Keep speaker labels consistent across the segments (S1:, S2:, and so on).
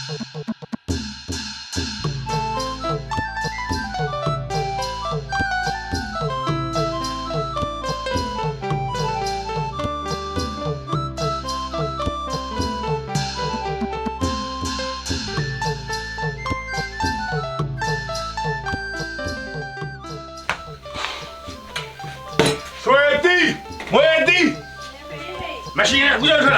S1: မရှိနဲ့အခုရောက်ထွက်လာ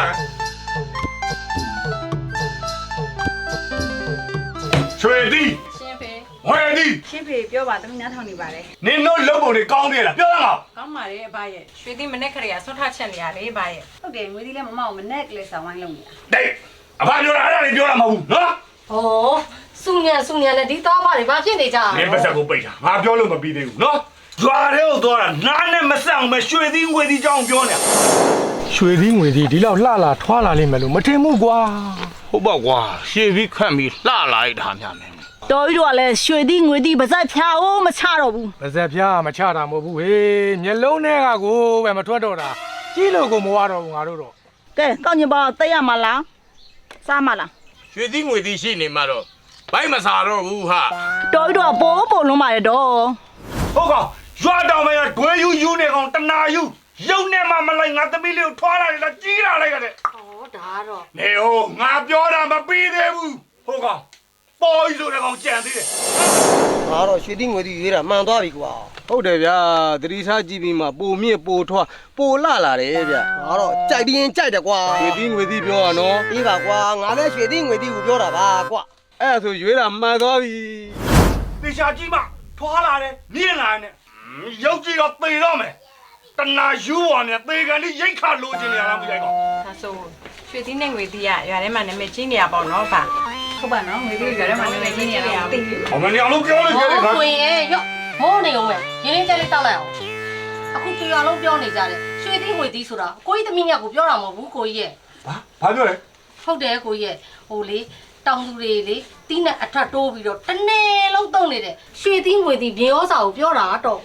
S1: ရွှေသည်
S2: ရှင်ဖေ
S1: ဝယ်သည်
S2: ရှင်ဖေပြောပါသမီးနားထောင်နေပါတယ်
S1: နင်တို့လုပ်ပုံတွေကောင်းသေးလားပြောရအောင်
S2: ကောင်းပါတယ်အဘရဲ့ရွှေသည်မနဲ့ခရီးဆွတ်ထချက်နေရလေအဘရဲ့ဟုတ်တယ်ငွေသည်လည်းမမအောင်မနဲ့ကလေးဆောင်ဝိုင်းလုပ်နေတာ
S1: တိတ်အဘပြောတာအဲ့ဒါတွေပြောတာမဟုတ်ဘူးနော်
S3: ဟောစုညံနဲ့ဒီသားပါတွေဘာဖြစ်နေကြ
S1: လဲနင်ပါစက်ကိုပိတ်တာငါပြောလို့မပြီးသေးဘူးနော်ကြွားတဲ့ကိုသွားတာနားနဲ့မဆက်အောင်ပဲရွှေသည်ငွေသည်ကြောင်းပြောနေတာ
S4: ရွှေသည်ငွေသည်ဒီလောက်လှလာထွာလာလိမ့်မယ်လို့မထင်ဘူးကွာ
S1: ဟုတ်ပါကွာရှေ့ပြီးခတ်ပြီးလှလာလိုက်တာများမယ်
S5: တော်ကြီးတို့ကလည်းရွှေသည်ငွေသည်ပါဇက်ဖြာအိုးမချတော့ဘူး
S4: ပါဇက်ဖြာမချတာမဟုတ်ဘူးဟေးမျက်လုံးထဲကကိုပဲမထွက်တော့တာကြီးလို့ကိုမဝတော့ဘူးငါတို့တော့
S5: ကဲကောင်းကျင်ပါသိရမှာလားစားမလား
S1: ရွှေသည်ငွေသည်ရှိနေမှာတော့ဘိုက်မစားတော့ဘူးဟာ
S5: တော်ကြီးတို့ကပိုးလုံးပါရတော့
S1: ဟုတ်ကောင်ရွာတောင်မရဒွေယူနေကောင်တနာယူရုပ်နဲ့မှမလိုက်ငါသမီးလေးကိုထွားလာတယ်လားကြီးလာလိုက်ရတယ်
S3: ဟောဒါတော့
S1: နေဟိုငါပြောတာမပြီးသေးဘူးဟုတ်ကောင်ပေါ်ကြီးဆိုတဲ့ကောင်ကြံသေးတယ်
S6: ငါတော့ရွှေတိငွေတိရွေးတာမှန်သွားပြီကွာဟုတ်တယ်ဗျာသတိထားကြည့်ပြီးမှပိုမြင့်ပိုထွားပိုလှလာတယ်ဗျာငါတော့ကြိုက်ပြီးရင်ကြိုက်တယ်ကွာရွှေတိငွေတိပြောရနော်အေးပါကွာငါလည်းရွှေတိငွေတိကိုပြောတာပါကွာအဲ့ဒါဆိုရွေးတာမှန်သွားပြီ
S1: တေချာကြီးမှထွားလာတယ်မြင့်လာတယ်ရုပ်ကြီးတော့သေတော့မယ်တနာယူပေါ်နဲ့သေကန်လေးရိတ်ခါလိုချင်နေရလားမသိကောင်
S2: ဒါဆိုရွှေသီးနဲ့ငွေသီးကရွာထဲမှာနာမည်ကြီးနေရပေါ့နော်ဗျဟုတ်ပါနော်ငွေသီးရွာထဲမှာနာမည်ကြီးနေရတာသိပြီ
S1: အမနေအောင်လို့ပြောလို့ပြောတယ်ခါ
S3: ကိုရင်ရော့မောနေအောင်ပဲရင်းရင်းကြက်လေးတောက်လိုက်အောင်အခုကြွားလုံးပြောနေကြတယ်ရွှေသီးငွေသီးဆိုတာကိုကြီးသမီးမြတ်ကိုပြောတာမဟုတ်ဘူးကိုကြီးရဲ့
S1: ဘာပြောလဲ
S3: ဟုတ်တယ်ကိုကြီးရဲ့ဟိုလေတောင်သူတွေလေတီးနဲ့အထက်တိုးပြီးတော့တနေ့လုံးတုံနေတယ်ရွှေသီးငွေသီးမြေဩစာကိုပြောတာတော့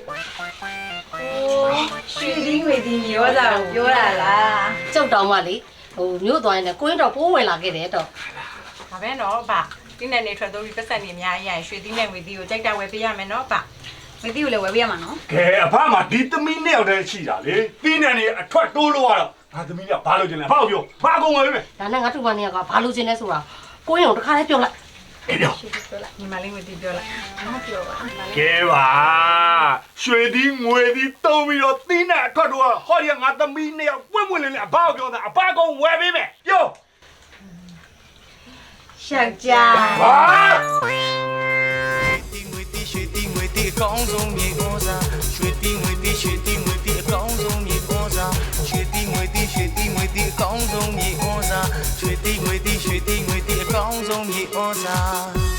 S2: ရွှေသီးငွေသီးမြေဩစာကိုပြောတာလား
S3: ကျုပ်တောင်မှလေဟိုမြို့သွားရင်လည်းကိုင်းတော့ပိုးဝင်လာခဲ့တယ်တော့
S2: ဒါပဲနော်ဗျတီးနဲ့နေထွက်တော့ပြီးပတ်ဆက်နေအများကြီးရရင်ရွှေသီးနဲ့ငွေသီးကိုကြိုက်တာဝယ်ပေးရမယ်နော်ဗျငွေသီးကိုလည်းဝယ်ပေးရမှာနော်
S1: ကဲအဖမှာဒီသမီးနဲ့ရောက်တဲ့ရှိတာလေတီးနဲ့နေအထွက်တိုးလို့ရတော့ငါသမီးကဘာလို့ကျင်လဲဘာလို့ပြောဘာကုန်ဝယ်ပေးမယ်
S3: ဒါနဲ့ငါတို့ဘာနေကဘာလို့ကျင်လဲဆိုတာကိုင်းအောင်တစ်ခါလေးပြောလိုက်
S1: အေးပြော
S2: လိုက်ညီမလေးငွေသီးပြောလိုက်မပြောပါ
S1: ကဲပါရွှေသီးငွေသီးတုံးပြီးတော့တီးနဲ့အထွက်တော့ဟောဒီငါသမီးနဲ့ရောက်ပွင့်ပွင့်လင်းလင်းအဘကိုပြောတာအဘကုန်ဝယ်ပေးမယ်ပြော
S2: ရှောက်ကြ
S1: ဟာ
S7: ရွှေတိငွေတိအကောင်းဆုံးမြေဩဇာရွှေတိငွေတိအကောင်းဆုံးမြေဩဇာရွှေတိငွေတိအကောင်းဆုံးမြေဩဇာရွှေတိငွေတိအကောင်းဆုံးမြေဩဇာ